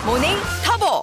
모닝 터보.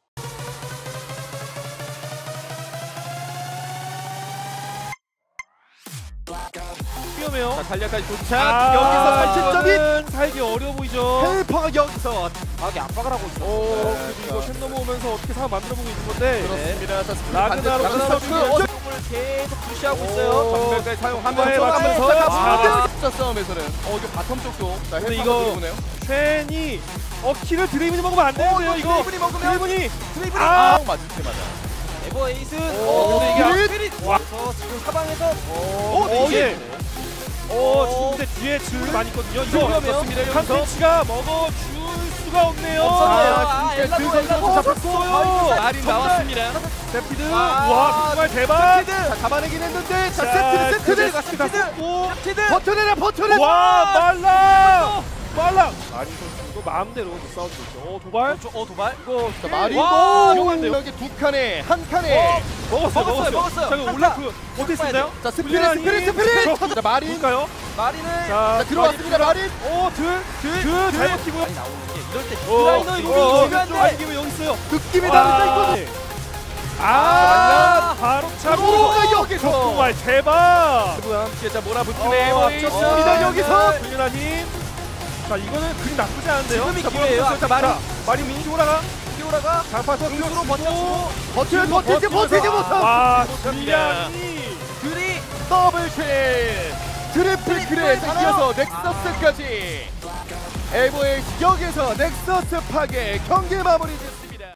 위험해요. 자, 달려까지 도착. 여기서 살점이 살기 어려워 보이죠. 헬퍼가 여기서 강하게 압박을 하고 있어. 그래도 이거 쉔 넘어오면서 어떻게 상황 만들어보고 있는 건데. 그렇습니다. 자, 스피드 라그나로크 반대 선수 공을 계속 푸시하고 있어요. 전멸까지 사용하면서 맞추면서 자, 싸움에서는 이거 바텀 쪽도 자, 근데 헬퍼가 이거 들어오네요. 쉔이 키를 드레이븐이 먹으면 안 되는데요. 이거 드리블이 먹으면 드레이븐이 맞을 때마다 에버 에이스. 근데 이게 와. 지금 사방에서 이게 지금 근데 뒤에 질이 많이 있거든요. 이거 위험해요. 칸텐치가 먹어줄 수가 없네요. 없었네요. 진짜 그 선수 잡혔어요. 마린 나왔습니다. 세피드. 와, 와, 정말 대박. 자, 잡아내긴 했는데 자, 자, 세트를 세피드 고 버텨내라. 와, 말라. 아니 선수 이거 마음대로 싸우고 있죠. 도발. 도발. 이거 자, 마린 와, 위험한데요. 여기 두 칸에 한 칸에 먹었어요. 잠깐 올라프 어떻게 쓰나요? 자, 스피릿. 자, 마린 볼까요? 마린을 자, 들어왔습니다. 마린. 잘 버티고요. 많이 나오는 게 이럴 때 라이너 디라이너 이거 이거 중요한데. 아니면 여기 있어요. 느낌이 와. 다르다 이거. 바로 오, 차고 여기서. 정말 대박. 그리고 함께 자 몰아붙이네. 앞섰습니다. 여기서. 불륜한 힘. 자, 이거는 그림 나쁘지 않은데요. 지금이 자, 기회예요. 몰아붙였어요. 자, 마린 민기 올라가. 피오라가 장파서 등으로 버텨주고 버티지 못하고. 와, 불량이 둘이 더블킬. 트리플 킬에 이어서 넥서스까지. 에버의 여기서 넥서스 파괴 경기 마무리 짓습니다.